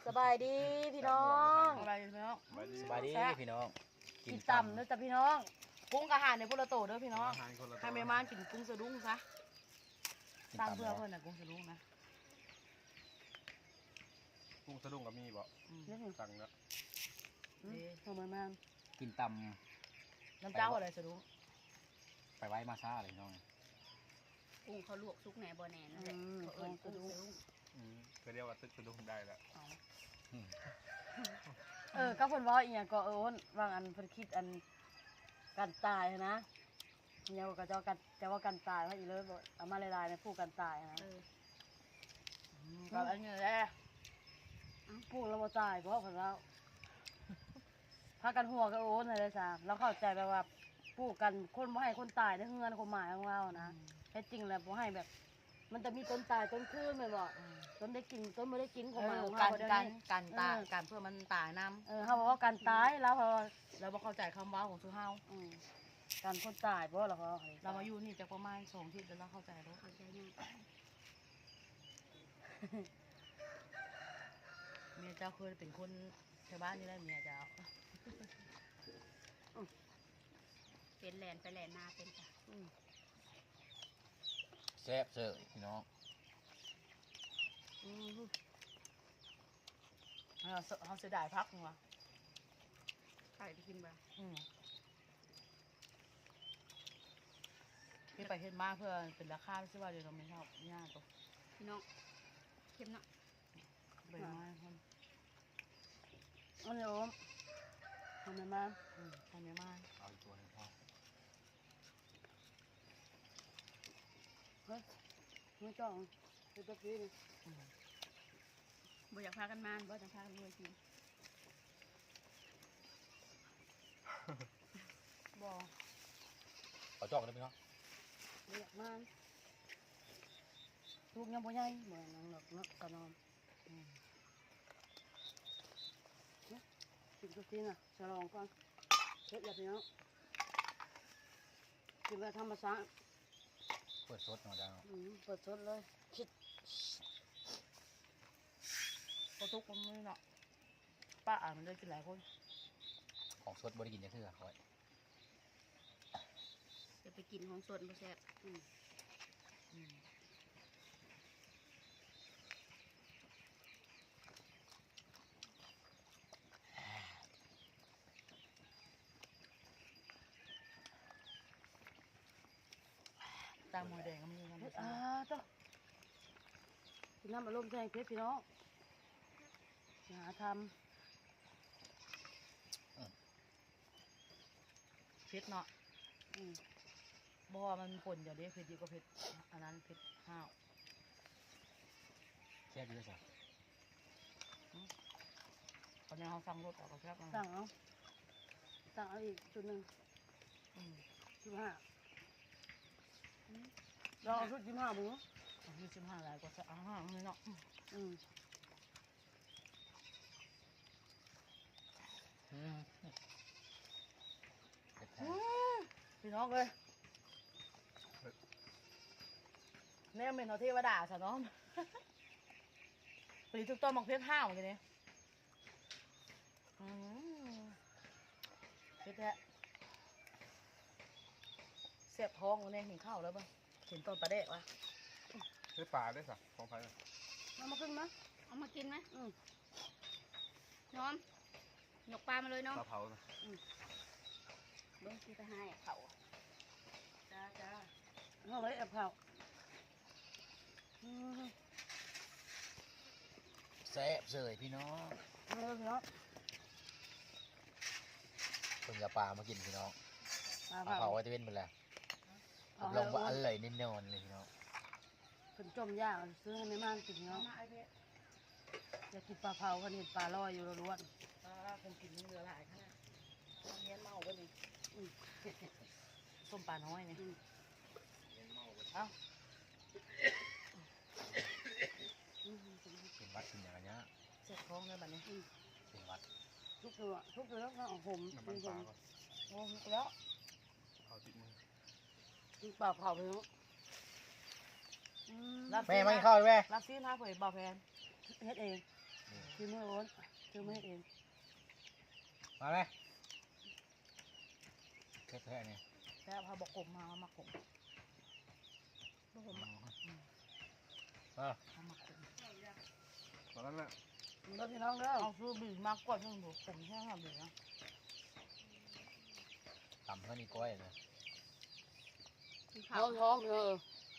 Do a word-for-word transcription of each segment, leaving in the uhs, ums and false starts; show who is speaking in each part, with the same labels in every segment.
Speaker 1: สบายดีพี่น้องสบายดีพี่น้อง
Speaker 2: สบายดีพี่น้อง
Speaker 1: กินต่ำเด้อจ้ะพี่น้องกุ้งอาหารในพุระโตเด้อพี่น้องให้แม่ม่านกินกุ้งสะดุ้งซะสร้างเพื่อเพื่อนน่ะกุ้งสะดุ้งนะ
Speaker 3: กุ้งสะดุ้งก็มีบ่สั่งแล้ว
Speaker 1: นี่ทำไมม่าน
Speaker 2: กินต
Speaker 1: ำน้ำเจ้าอะไรสะดุ้ง
Speaker 2: ไปไว้มาซ่าเลยน้อง
Speaker 4: กุ้งเขาลวกซุกแหนบ่แหนนั่นแหละเขาเอิ้นกุ้งสะดุ้ง
Speaker 3: ก็เรียกว่าตึกสะดุ้งได้แล้ว
Speaker 1: เออก็เพิ่นว่าอีหยังก็เออโอนวางอันเพิ่นคิดอันการตายนะเนี่ยก็จะกันจะว่าการตายว่าอีเลยบ่เอามาหลายๆในผู้การตายนะก็อันนี้แหละผู้เราบ่ตายเพราะเพิ่นเราพากันหัวก็โอนอะไรซะเราเข้าใจแบบว่าผู้กันคนบ่ให้คนตายในเฮือนความหมายของเรานะแท้จริงแล้วบ่ให้แบบมันจะมีต้นตายต้นคืนแม่นบ่ต้นได้กินต้นบ่ได้กินของมันของเราเดี๋ยวนี้การตายการเพื่อมันตายนำเออเฮาบอกว่าการตายแล้วเราบ่เข้าใจคำว่าของซุเฮาอือการคนตายบ่ล่ะเขาเรามาอยู่นี่จักประมาณสองอาทิตย์แล้วเราเข้าใจแล้วเข้าใจยังเมียเจ้าเคยเป็นคนชาวบ้านนี่แหละเมียเจ้า
Speaker 4: เป็นแหลนไปแหลนนาเป็นจ้ะ
Speaker 2: แซ่บเสิร์ฟพี่น้อง
Speaker 1: เขาเขาเสียดายพักมั้ง
Speaker 4: ใครไปกินบ้าง
Speaker 1: พี่ไปเห็นมากเพื่อเป็นราคาไม่ใช่ว่าเดี๋ยวเราไม่ชอบยากตัว
Speaker 4: พี่น้องเข้มเนาะ
Speaker 1: ใบไม้คนอันนี้โอ้ทำไมมาทำไมมา
Speaker 2: เอาอีกตัวนึงพ่อ
Speaker 1: เฮ้ยไม่จ้องคือตะกี้นี่
Speaker 4: บ่อยากพากันมาบ่อยากพากันรวยกิน
Speaker 1: บ่
Speaker 2: เอาจอกได้ไหมเนาะ
Speaker 1: บ่อยากมาลูกยังบ่ใหญ่เหมือนนังหลอกนักกระนอมกินตะกี้น่ะฉลองก่อนเฮ็ดแบบนี้เนาะกินแบบธรรมชาติ
Speaker 2: เปิดสดหน่อยได้ไหม
Speaker 1: เปิดสดเลยคิดพอทุกคนไม่เนาะป้าอ่านมันได้กินหลายคน
Speaker 2: ของสดบริกินจะเท่าไหร่
Speaker 4: จะไปกินของสดบ่แซ่บ
Speaker 1: ตามมวยแดงก็มีกันอ่าจ้ะกินน้ำอารมณ์แทงเพชรพี่น้องหาทำเพชรเนาะบ่อมันผลอย่างนี้เพชรดีกว่าเพชรอันนั้นเพชรห้าว
Speaker 2: แซ่บดีเลยจ้ะ
Speaker 1: ตอนนี้เขาสั่งรถออกก็แซ่บสั่งเอาสั่งเอาอีกชุดหนึ่งชุดห้าเราเอาชุดยี่ห้าบุ้งเอาชุดยี่ห้าอะไรก็จะเอาห้าเลยเนาะอืมพี่น้องเลยเนี่ยเป็นเอาเทวดาสะน้องปลีทุกต้นมองเพชรห้าวเหมือนกันเนี่ยเพชรแท้เสียบท้องเนี่ยเห็นข้าวแล้วป่ะเห็นต้นปลาเด็กวะ
Speaker 3: เฮ้ยปลาได้สักของใคร
Speaker 1: เอามาขึ้นไหม
Speaker 4: เอามากินไหมน้อมหยกปลามาเลยเนาะ
Speaker 3: ปลาเผา
Speaker 4: เบิ้งที่ไปให้เขา
Speaker 1: จ้าจ้าเอาไว้แอบเขา
Speaker 2: แซ่บเสิร์ฟพี่น้อง
Speaker 1: เอาเลยพี่น้อง
Speaker 2: เพิ่งจะปลามากินพี่น้องปลาเผาไว้จะเป็นไปแล้วลงว่าอร่อยแน่นอนเลยพี่น้อง
Speaker 1: ผลจมย่างซื้อให้ไม่มากกินเนาะอยากกินปลาเผาคนเห็นปลาลอยอยู่ล้วนคนกินเนื้อหลายขนาดเงี้ยเมากันนี่ส้มปลาน้อยนี่เอ้า
Speaker 2: เป็นวัดเป็นอย่างเงี้ย
Speaker 1: เสร็จท้องเลยแบบนี้
Speaker 2: เป็นวัด
Speaker 1: ทุกตัวทุกตัวแล้วก็เอาห่มเป็นห่มห่มแล้ว
Speaker 3: เอาติดมือ
Speaker 1: กินปลาเผาไปเนาะ
Speaker 2: แม่ไม่เข้าแม่
Speaker 1: รับซีนฮะเผยบ่าวแพนเฮ็ดเองคือมือโอนคือมือเอง
Speaker 2: มาเลยแค่แค่นี้
Speaker 4: แล้วพาบอกกบมามาขมบอกผมมา
Speaker 2: เออ
Speaker 4: เอามาขม
Speaker 3: ตอนนั้นแหละ
Speaker 1: รถพี่น้องเด้อ
Speaker 4: เอาซื้อบีมากกว่าที่หนูขมแค่ห้าบีนะ
Speaker 2: ต่ำเท่านี้ก้อยเลย
Speaker 1: ท้องท้องเออ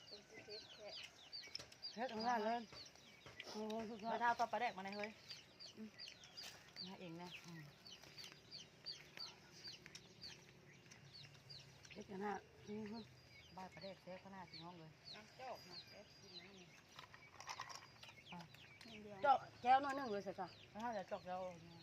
Speaker 1: เฮ็ดงานเลยโอ้โหสุดยอ
Speaker 4: มา
Speaker 1: ด
Speaker 4: เท้าต่อปลาแดกมาในเฮ้ยนะเองนะ
Speaker 1: เฮ็ดกันฮะอือฮึ
Speaker 4: บ้านปลาแดกแซ่บขนาดที่ห้องเลย
Speaker 1: เจ้าแก้วน้อยหนึงเลยสิจ้ะ
Speaker 4: ถ้าจะจอกแล้ว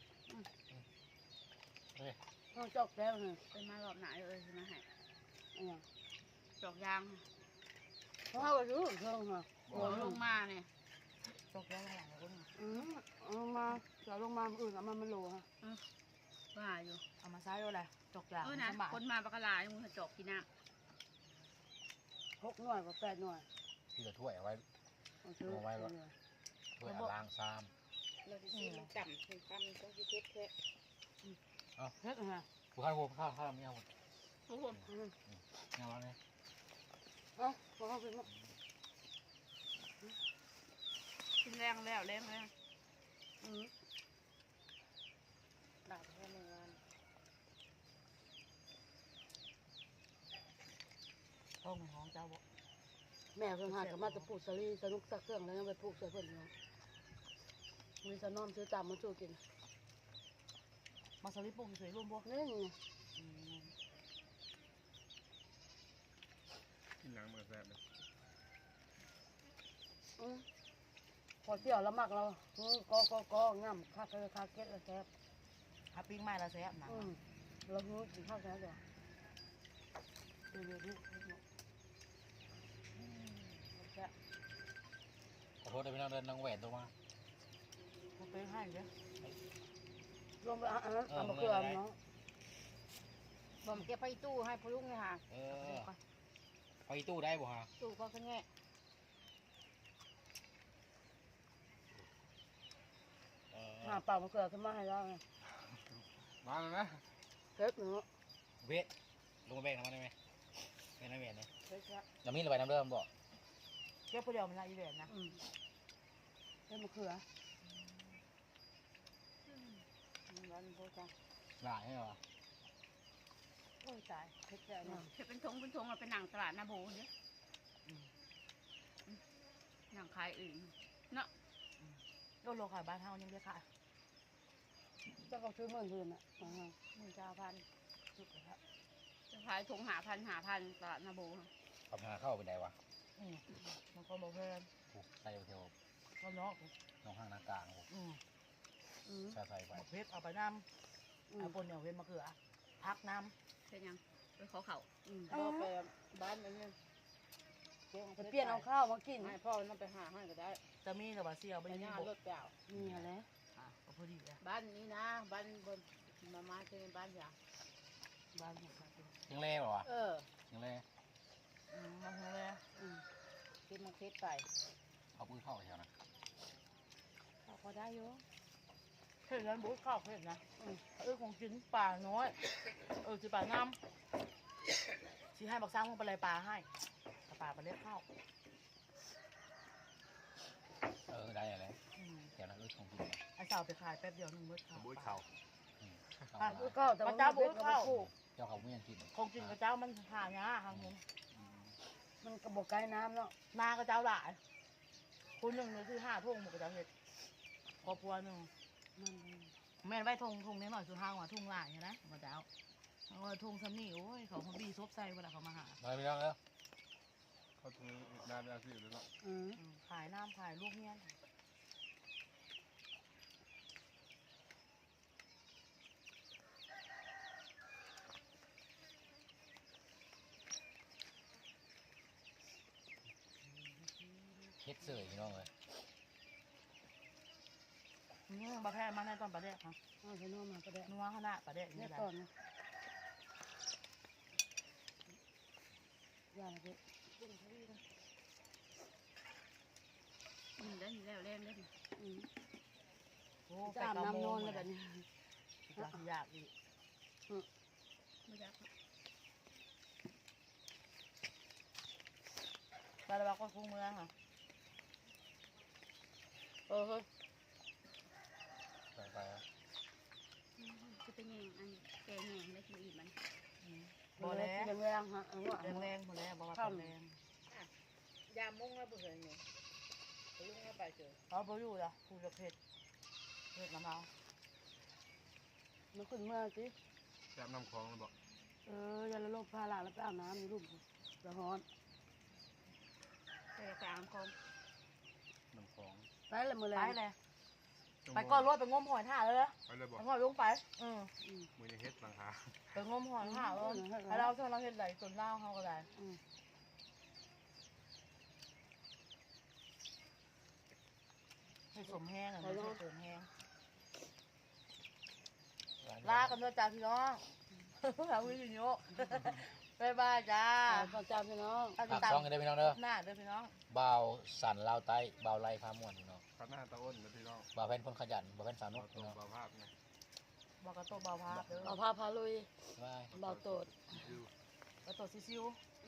Speaker 2: เฮ้ย
Speaker 1: ต้องจอกแก้วหนึง
Speaker 4: เป็นมารอบไหนเอ้ยใช่ไหมให้
Speaker 1: อันเนี้ย
Speaker 4: จอกยาง
Speaker 1: เพราะว่าไปซื้อเครื่องค่ะ
Speaker 4: หัวลงมาเนี่ยจอกยางหลังคน
Speaker 1: อืมเอาลงมาเดี๋ยวลงมาอื่นเอามามันโลค่ะ
Speaker 4: ว่าอยู่เอามาใช้ด้วยอะไรจอกยาง
Speaker 5: เออนะคนมาปากกาลายมึงจอกกินน้
Speaker 1: หกหน่วยกับแปดหน่วย
Speaker 2: ที่จะถ้วยเอาไว้
Speaker 1: เอาซื้อ
Speaker 2: เอาไว้ก่อน ถ้วยเอาล้างซ้
Speaker 5: ำเราจะซีมันต่ำเป็นต่ำต้องคิดแค่
Speaker 1: เฮ็ดนะ
Speaker 2: ำกูข้าวโพดข้าวข้าวไม่เอาหมด
Speaker 5: ทุกคน
Speaker 1: อืม
Speaker 2: ไม่เอาแล้วเนี่ย
Speaker 1: เอ้าพอเขาเป็นว่า
Speaker 5: กินแรงแล้วแรงแล้ว
Speaker 1: อืม
Speaker 5: ด่าแค่หนึ่งวัน
Speaker 4: ห้องห้องเจ้าบอก
Speaker 1: แม่เพิ่นหากับมาจะปลูกสลีสนุกสักเครื่องแล้วยังไปปลูกใส่เพิ่นเนาะมีสนอมซื้อตามมาสู้กิน
Speaker 4: มาสลิปปุ่งสวยร่วมพวก
Speaker 1: นี่ไง
Speaker 3: กินหนังมือแซ่บเลย
Speaker 1: อืมพอเที่ยวแล้วมักเราอืมก็ก็ก็ง่ำคาเคยคาเก็ตแล้วแซ่บ
Speaker 4: ฮับปิ้งไม้ละแซ่บนะ
Speaker 1: อืมเราหูกินข้าวแซ่บจ้ะเดี๋ยวเดี๋ยวเดี๋ยวเดี๋ยวแซ่บ
Speaker 2: ขอโทษด้วยพี่น้องเดินน้องแหวนตัวมา
Speaker 4: มันเป็นให้เยอะ
Speaker 1: รวมไปอ่ะอ่ะเอามาเกลือเนาะ
Speaker 5: ผมเก็บไปตู้ให้พ่อลุงเลยค่ะ
Speaker 2: เออไปตู้ได้บ่ฮะ
Speaker 5: ตู้ก็แค่แง่
Speaker 2: เออ
Speaker 1: หาเปล่ามาเกลือขึ้นมาให้เราไง
Speaker 3: มาแล้วนะ
Speaker 1: เฮ็ดเนาะ
Speaker 2: เวทลงมาแบกน้ำมันได้ไหมแบกน้ำแหวนเนี่ย
Speaker 1: เฮ็ดแซ่บ
Speaker 2: น้ำมีระบายน้ำเริ่มบ่
Speaker 4: เก็บผู้เดียวมันละอีเวนนะ
Speaker 1: อืมเฮ็ดมะเขือ
Speaker 5: วันโบจ้า
Speaker 2: หลายเหรอ
Speaker 1: โอ้ยตายเฮ็ดแซ่บเนาะ
Speaker 5: จะเป็นทงเป็นทงเราเป็นหนังตลาดนาโบเนี่ยหนังขายอื่น
Speaker 4: โดนโลขายบ้านเฮายังได้ขาย
Speaker 1: เจ้าก็ซื้อหมื่นคืนอ่ะอ่า
Speaker 5: หนึ่งเก้าพัน
Speaker 4: สุดเลยครับ
Speaker 5: จะขายทงหาพันหาพันตลาดนาโบ
Speaker 2: ทำงานเข้าไปได้วะ
Speaker 4: อืมมันก็บอกเพื่อน
Speaker 2: ผูกใส่เทว
Speaker 4: ก็เนาะ
Speaker 2: น้องห้างนากลางผูก
Speaker 4: อืม
Speaker 1: อืม
Speaker 2: ใส่ใส่ไป
Speaker 4: เอาเพชรเอาไปน้
Speaker 1: อื
Speaker 4: ำ
Speaker 1: ม
Speaker 4: เอาปนเอาเพชรมะเขือพักน้
Speaker 5: เป็นยังไปขอเขา
Speaker 1: อืม
Speaker 5: ก็ไปบ้านไปเนี่ย
Speaker 1: จะเปลี่ยนเอาข้าวมากิน
Speaker 5: ให้พ่อมันไปหาให้ก็ได้
Speaker 4: ำจะมีแต่ว่าเสียว
Speaker 5: ไป
Speaker 4: ไป
Speaker 5: ย่า
Speaker 4: นี่บ
Speaker 5: ร
Speaker 4: ก
Speaker 5: ถเปล่า
Speaker 1: มีอะไร
Speaker 4: อ่ะก็พอดีเลย
Speaker 5: บ้านนี้นะบ้านบนมามาเจอบ้านอย่าง
Speaker 4: บ้านของข้าเป็น
Speaker 2: ยังเล่บ่วะ
Speaker 5: เออ
Speaker 2: ยังเล่
Speaker 4: อืมมาทางเลย
Speaker 1: อืม
Speaker 5: คิดมาคิดไป
Speaker 2: เอาปืนเข้าแถวนะ
Speaker 5: เขาพอได้อยู่
Speaker 4: เห็นแล้วบุ๊กข้าวเห็นนะอืมเออของกินป่าน้อยเออสิป่าน้ำสิให้บักซ้ำมันไปเลยปลาให้แต่ปลาไปเล็กข้าว
Speaker 2: เออได้อะไร
Speaker 4: อืม
Speaker 2: แถวนั้นเออของกิน
Speaker 4: ไอ้สาวไปขายแป๊บเดียวหนึงเบิดข้าว
Speaker 3: บุ้ยเข่า
Speaker 2: อืมเข้า
Speaker 4: อ่ะ
Speaker 2: มา
Speaker 1: ก็แต่ว่า
Speaker 4: เจ้าบุ๊กเข้า
Speaker 2: เจ้าเขาไม่ยังกิน
Speaker 4: ของกินกับเจ้ามันหายากทางนู้น
Speaker 2: อืม
Speaker 1: มันกระบอกไก่น้ำเนาะ
Speaker 4: นากับเจ้าหลายคุณหนึ่งหรือคือห้าทุ่งหมดกับเจ้าเห็ดครอบครัวหนึ่ง
Speaker 1: มัน
Speaker 4: แม่นไว้ทงทงนิดหน่อยสุดห้างว่าทุ่งหลายใช่ไหมมาเจ้าเอาไว้ทงสำนีโอ้ยเขาเขาบีซบใส่เวลาเขามาหา
Speaker 2: มาพี่น้องแล้ว
Speaker 3: เขาตรงนี้นานแล้วสิอยู่ด้วยเนาะ
Speaker 1: อืม
Speaker 4: อืมขายน้ำขายลูกเงี้ย
Speaker 2: เฮ็ดเสยพี่น้องเลย
Speaker 4: นี่บะแพร่มาในตอนประเดกค่ะ
Speaker 1: เอาไปนอนมาก็ได้
Speaker 4: นัวขนาดประเดก
Speaker 1: เนี่
Speaker 4: นี่
Speaker 1: ย
Speaker 4: แหละ
Speaker 1: ก่อนนะอย่าเลย
Speaker 5: อืมได้อยู่แล้วเล่นเล่น
Speaker 1: อืม
Speaker 4: อ้
Speaker 1: จะ
Speaker 4: ไป
Speaker 1: อาบ
Speaker 4: เก้า
Speaker 1: น้ำ
Speaker 4: โม
Speaker 1: นอง นเลย
Speaker 4: แบ
Speaker 1: แบบ บ
Speaker 4: นี้
Speaker 1: นี้
Speaker 4: อยากอยากอีก
Speaker 5: ไม่อยาก
Speaker 4: ไปแล้วว่าก็ฟุ้งเมืองค่ะ
Speaker 1: เออเฮ้ย
Speaker 2: ไปไปอะ
Speaker 5: จะเป็นยังอันแกงแหงได้กินอีกมัน
Speaker 4: บ่แล้ว
Speaker 1: แรงๆฮะเออว่า
Speaker 4: แรงแรงบ่แล้วบ่ว่าแรง
Speaker 5: ยามมุ่งแล้วเบื่อเนี่ยลุงแล้วไปเจอ
Speaker 4: เขาบ่อยู่ล่ะผู้จะเผ็ดเผ็ดน้ำเมา
Speaker 1: มันขึ้นเมื่อสิ
Speaker 3: แซ่บน้ำคลองแล้วบอก
Speaker 1: เอออย่าละโลกพาหลานแล้วไปอาบน้ำอยู่รูปละฮอน
Speaker 5: ไปกลางคม
Speaker 3: น้ำคลอง
Speaker 1: ไปเลยมือแร
Speaker 4: ไป
Speaker 1: ง
Speaker 4: เลยไปก่อนรถไปงมหอยท่าเลย
Speaker 3: ไปเลยบอก
Speaker 4: ไปหอยลงไปอืม
Speaker 3: มือในเฮ็ดหลังคา
Speaker 4: ไปงมหอยท่าเลยให้เราเท่าเราเห็นไหลจนเล่าเขาก็ได้
Speaker 1: อืม
Speaker 4: ให้สมแห้งอ่ะไม่ใช่สมแห้ง
Speaker 2: ร้าน
Speaker 4: ลากันด้วยจ้าพี่น้องหาวิญญาณบ๊ายบายจ้า
Speaker 1: ตอนจำพี่น้อง
Speaker 4: ถ้าติ
Speaker 2: ฝา
Speaker 4: ด
Speaker 2: ก
Speaker 4: ตาม
Speaker 2: ช่องกันได้พี่น้องเด้อ
Speaker 4: หน้าเด้อพี่น้อง
Speaker 2: บ่าวสันลาวใต้บ่าวไล่พาม่วนพี่น้อง
Speaker 3: ข้าหน้าตะอ้นนะพี่น้อง
Speaker 2: บ่าวแพนคนขยันบ่าวแพนสาวนุ
Speaker 3: เอา
Speaker 2: ก
Speaker 3: ตร
Speaker 2: พี่
Speaker 3: ง
Speaker 2: น้อง
Speaker 3: บาภาพไง
Speaker 4: บอกกระโตเบาภาพเด้อ
Speaker 1: เอาพาพาลุย
Speaker 2: บาย
Speaker 1: เบาโตด
Speaker 3: ดู
Speaker 4: กระโตซิซิวๆ